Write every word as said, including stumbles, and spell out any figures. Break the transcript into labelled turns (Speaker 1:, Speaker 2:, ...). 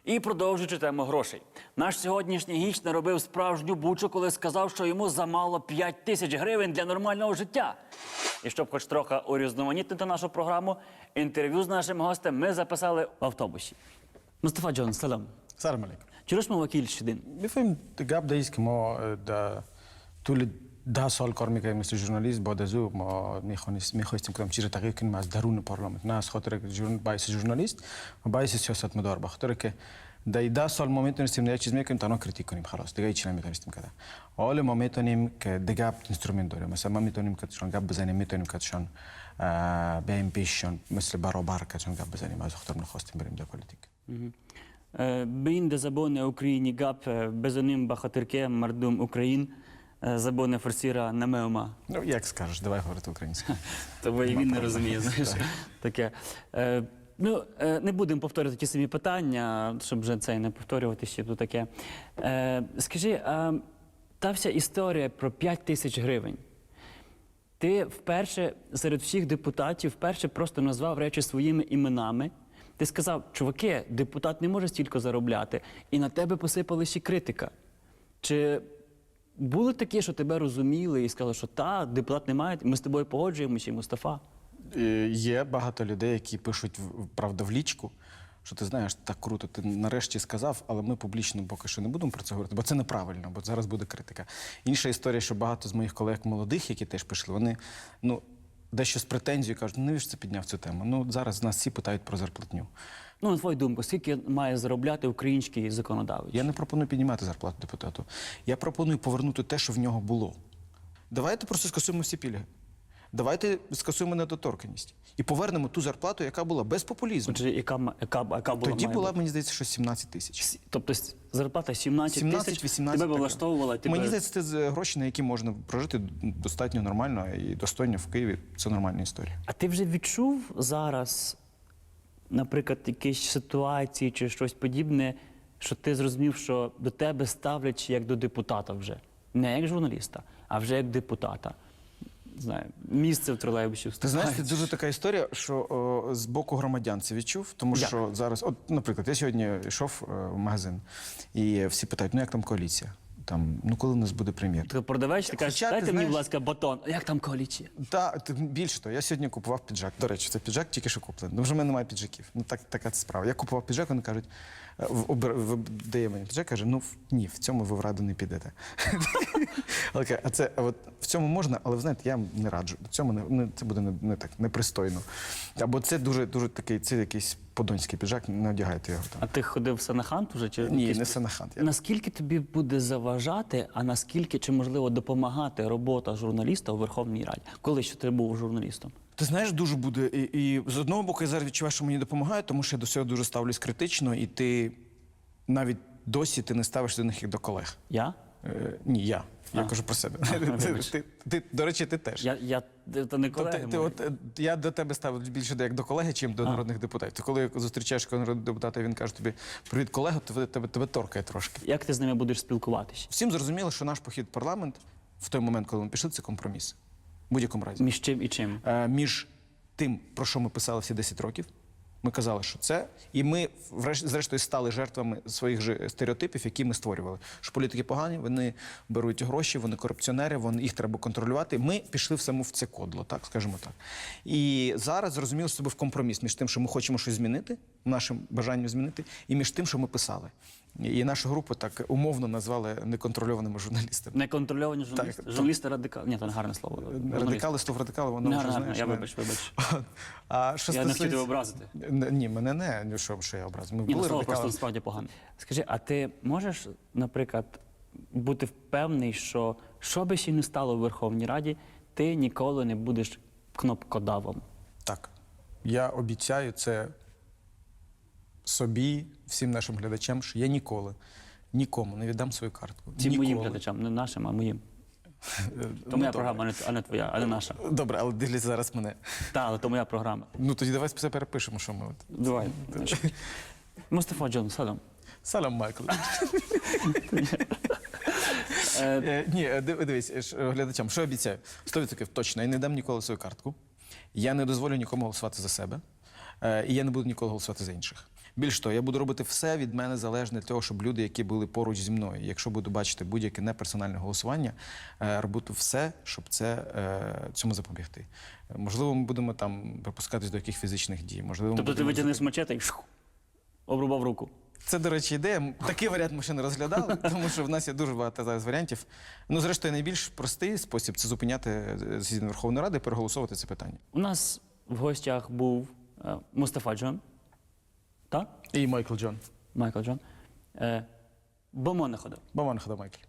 Speaker 1: І продовжуючи тему грошей. Наш сьогоднішній гість наробив справжню бучу, коли сказав, що йому замало п'ять тисяч гривень для нормального життя. І щоб хоч трохи урізноманітнити нашу програму, інтерв'ю з нашим гостем ми записали в автобусі. Мустафа Джон, салам.
Speaker 2: Salam alaikum.
Speaker 1: چرا ما وکیل شدین؟
Speaker 2: بفهمیم گپ ده ایست که ما در طول ده سال کار میکنیم مثل ژورنالیست. بعد از او ما میخواستیم کدام چیز را تغییر کنیم از درون پارلمان، نه از خاطر باعث ژورنالیست و باعث سیاستمدار، به خاطر که در ده سال ما میتونستیم یک چیز میکنیم تنها کریتیک کنیم، خلاص دیگه هیچ نمیتونستیم کرد. حالا ما میتونیم که دیگه اینسترومنت داریم، مثلا ما میتونیم که شان گپ بزنیم، میتونیم که شان بیایم پیششان مثل برابر که شان گپ بزنیم، از خاطر نخواستیم بریم در پلیتیک.
Speaker 1: بین de zabone Україні гап безоним бахатирке мардум Україн забоне форсіра намеома.
Speaker 2: Ну, як скажеш, давай говорити українською.
Speaker 1: Тобто і він не розуміє, знаєш, таке. Ну, не будемо повторювати ті самі питання, щоб вже це не повторювати ще тут таке. Скажи, та вся історія про п'ять тисяч гривень. Ти вперше серед всіх депутатів вперше просто назвав речі своїми іменами. Ти сказав, чуваки, депутат не може стільки заробляти, і на тебе посипали ще критика. Чи були такі, що тебе розуміли і сказали, що та, депутат не має, ми з тобою погоджуємося, Мустафа?
Speaker 2: Є багато людей, які пишуть, правда, в лічку, що ти знаєш, так круто, ти нарешті сказав, але ми публічно поки що не будемо про це говорити, бо це неправильно, бо зараз буде критика. Інша історія, що багато з моїх колег молодих, які теж пішли, вони, ну, дещо з претензією кажуть, ну навіщо це підняв цю тему? Ну, зараз нас всі питають про зарплатню.
Speaker 1: Ну, на твою думку, скільки має заробляти український законодавець?
Speaker 2: Я не пропоную піднімати зарплату депутату. Я пропоную повернути те, що в нього було. Давайте просто скасуємо всі пільги. Давайте скасуємо недоторканність. І повернемо ту зарплату, яка була, без популізму.
Speaker 1: Отже, яка, яка, яка була?
Speaker 2: Тоді була, мені здається, що сімнадцять тисяч.
Speaker 1: Тобто зарплата сімнадцять тисяч, тебе б влаштовувала? Тебе...
Speaker 2: Мені здається, це гроші, на які можна прожити достатньо нормально і достойно в Києві. Це нормальна історія.
Speaker 1: А ти вже відчув зараз, наприклад, якісь ситуації чи щось подібне, що ти зрозумів, що до тебе ставлять як до депутата вже? Не як журналіста, а вже як депутата. Знаю, місце в тролейбусі.
Speaker 2: Ти знаєш, це дуже така історія, що о, з боку громадян це відчув, тому як? Що зараз, от, наприклад, я сьогодні йшов о, в магазин, і всі питають, ну як там коаліція? Там, ну коли у нас буде прем'єр?
Speaker 1: Ти продавець, ти кажеш, дайте мені, будь ласка, батон. Як там коаліція?
Speaker 2: Так, більше того, я сьогодні купував піджак. До речі, це піджак тільки що куплений. Ну вже в мене немає піджаків. Ну так, така це справа. Я купував піджак, вони кажуть, дає мені піджак, каже, ну ні, в цьому ви в раду не підете. Окей, а це, от в цьому можна, але ви знаєте, я не раджу. В цьому не, не це буде не, не так непристойно. Або це дуже дуже такий, це якийсь подонський піджак, не одягайте його там.
Speaker 1: А ти ходив в Санахант уже чи
Speaker 2: ні,
Speaker 1: якийсь...
Speaker 2: не Санахант. Я...
Speaker 1: Наскільки тобі буде заважати, а наскільки чи можливо допомагати робота журналіста у Верховній Раді? Коли ще ти був журналістом?
Speaker 2: Ти знаєш, дуже буде. І, і з одного боку, я зараз відчуваю, що мені допомагає, тому що я до цього дуже ставлюсь критично, і ти навіть досі ти не ставиш до них як до колег.
Speaker 1: Я?
Speaker 2: Е, ні, я. Я а. кажу про себе. А, ти, ти, ти, до речі, ти теж.
Speaker 1: Я, я то не колеги.
Speaker 2: Ти, ти, от, я до тебе ставлю більше як до колеги, чим до а. народних депутатів. Ти коли зустрічаєш народного депутата, він каже тобі, привіт, колега, то тебе, тебе торкає трошки.
Speaker 1: Як ти з ними будеш спілкуватися?
Speaker 2: Всім зрозуміло, що наш похід в парламент в той момент, коли ми пішли, це компроміс. В будь-якому разі.
Speaker 1: Між чим і чим?
Speaker 2: Е, між тим, про що ми писали всі десять років. Ми казали, що це, і ми, зрештою, стали жертвами своїх же стереотипів, які ми створювали. Що політики погані, вони беруть гроші, вони корупціонери, вони, їх треба контролювати. Ми пішли в саму в це кодло, так, скажімо так. І зараз зрозуміли себе в компроміс між тим, що ми хочемо щось змінити, нашим бажанням змінити, і між тим, що ми писали. І нашу групу так умовно назвали неконтрольованими журналістами.
Speaker 1: Неконтрольовані журналісти? Так, журналісти радикали? Ні, це не гарне слово.
Speaker 2: Радикали, слово радикали, воно
Speaker 1: не,
Speaker 2: вже,
Speaker 1: гарне,
Speaker 2: знаєш...
Speaker 1: Я вибач, вибач.
Speaker 2: А що
Speaker 1: я
Speaker 2: стосується...
Speaker 1: не хотів тебе образити.
Speaker 2: Ні, мене не, ну, що, що я образив. Ми
Speaker 1: Ні,
Speaker 2: були
Speaker 1: слово
Speaker 2: радикали.
Speaker 1: просто справді погано. Скажи, а ти можеш, наприклад, бути впевнений, що що би ще не стало в Верховній Раді, ти ніколи не будеш кнопкодавом?
Speaker 2: Так. Я обіцяю це собі, всім нашим глядачам, що я ніколи, нікому не віддам свою картку.
Speaker 1: Ці
Speaker 2: ніколи.
Speaker 1: моїм глядачам, не нашим, а моїм. То моя програма, а не твоя, а не наша.
Speaker 2: Добре, але дивись зараз мене.
Speaker 1: Так, але то моя програма.
Speaker 2: Ну тоді давай все перепишемо, що ми от.
Speaker 1: Давай. Мустафа Джон, салам.
Speaker 2: Салам, Майкл. Ні, дивись, глядачам, що обіцяю? сто відсотків точно, я не дам ніколи свою картку. Я не дозволю нікому голосувати за себе. Е, І я не буду ніколи голосувати за інших. Більш того, я буду робити все від мене залежне для того, щоб люди, які були поруч зі мною, якщо буду бачити будь-яке неперсональне голосування, е, робити все, щоб це, е, цьому запобігти. Е, Можливо, ми будемо там припускатись до яких фізичних дій. Можливо, ми
Speaker 1: Тобто ти
Speaker 2: будемо
Speaker 1: витягнеш мачете і шух, обрубав руку.
Speaker 2: Це, до речі, ідея. Такий варіант ми ще не розглядали, тому що в нас є дуже багато зараз варіантів. Ну, зрештою, найбільш простий спосіб це зупиняти засідання Верховної Ради і переголосовувати це питання.
Speaker 1: У нас в гостях був е, Мустафа Джон, так?
Speaker 2: І Майкл Джон.
Speaker 1: Майкл Джон. Е, Бо мо не ходив.
Speaker 2: Боман хода Майкл.